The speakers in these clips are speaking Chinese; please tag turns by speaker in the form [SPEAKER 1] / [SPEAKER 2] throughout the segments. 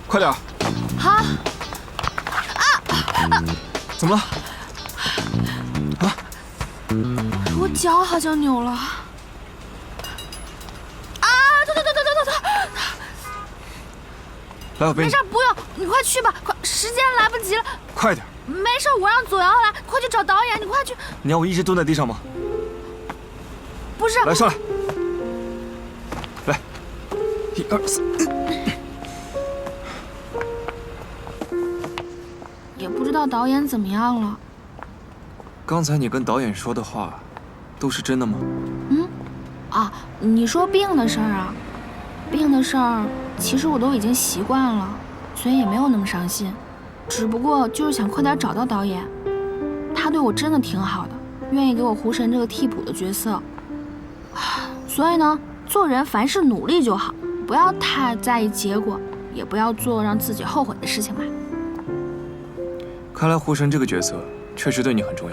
[SPEAKER 1] 快点。
[SPEAKER 2] 好。
[SPEAKER 1] 怎么了？啊？
[SPEAKER 2] 我脚好像扭了。啊！疼！
[SPEAKER 1] 来，我背你。
[SPEAKER 2] 没事，不用，你快去吧，快，时间来不及了。
[SPEAKER 1] 快点。
[SPEAKER 2] 没事，我让左瑶来，快去找导演，你快去。
[SPEAKER 1] 你要我一直蹲在地上吗？
[SPEAKER 2] 不是。
[SPEAKER 1] 来，上来。来，1、2、3。
[SPEAKER 2] 也不知道导演怎么样了。
[SPEAKER 1] 刚才你跟导演说的话，都是真的吗？
[SPEAKER 2] 啊，你说病的事儿啊？病的事儿，其实我都已经习惯了，所以也没有那么伤心。只不过就是想快点找到导演，他对我真的挺好的，愿意给我胡神这个替补的角色。所以呢，做人凡事努力就好，不要太在意结果，也不要做让自己后悔的事情嘛。
[SPEAKER 1] 看来胡神这个角色确实对你很重要。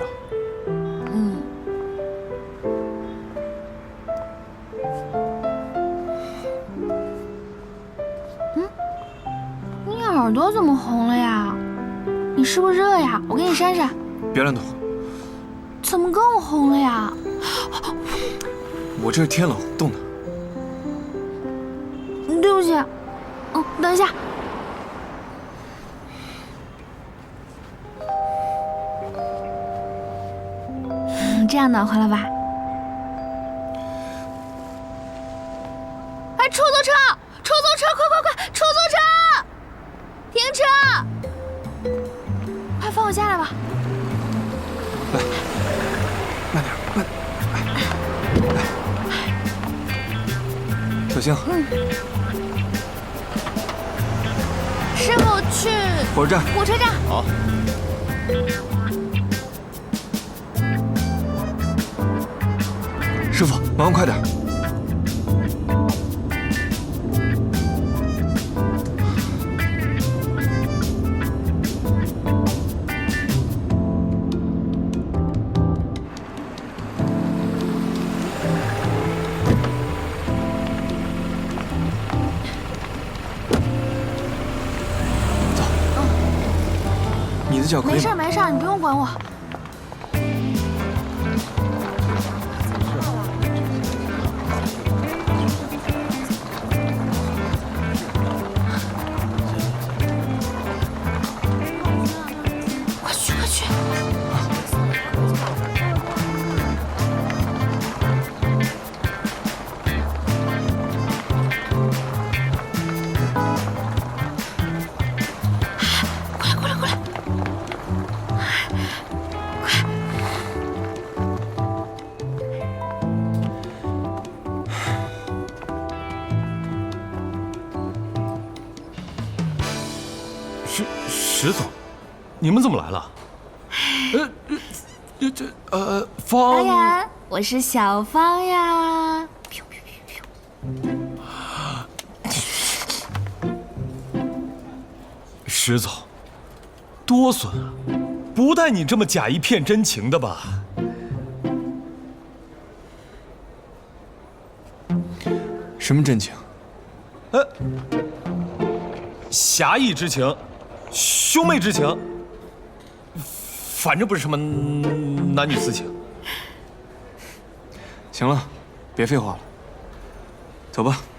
[SPEAKER 2] 你耳朵怎么红了呀？你是不是热呀？我给你扇扇。
[SPEAKER 1] 别乱动。
[SPEAKER 2] 怎么更红了呀？
[SPEAKER 1] 我这是天冷冻的。
[SPEAKER 2] 对不起。等一下。这样暖和了吧？哎，出租车！出租车！快！出租车！停车！快放我下来吧。
[SPEAKER 1] 来，慢点，慢。来，小心。
[SPEAKER 2] 师傅去
[SPEAKER 1] 火车站。
[SPEAKER 2] 火车站。
[SPEAKER 1] 好。师傅，麻烦快点。走。你的脚可以吗？
[SPEAKER 2] 没事，你不用管我。
[SPEAKER 3] 石总，你们怎么来了？
[SPEAKER 2] 方导演，我是小芳呀。
[SPEAKER 3] 石总，多损啊！不带你这么假一片真情的吧？
[SPEAKER 1] 什么真情？
[SPEAKER 3] 侠义之情，兄妹之情，反正不是什么男女私情。
[SPEAKER 1] 行了，别废话了，走吧。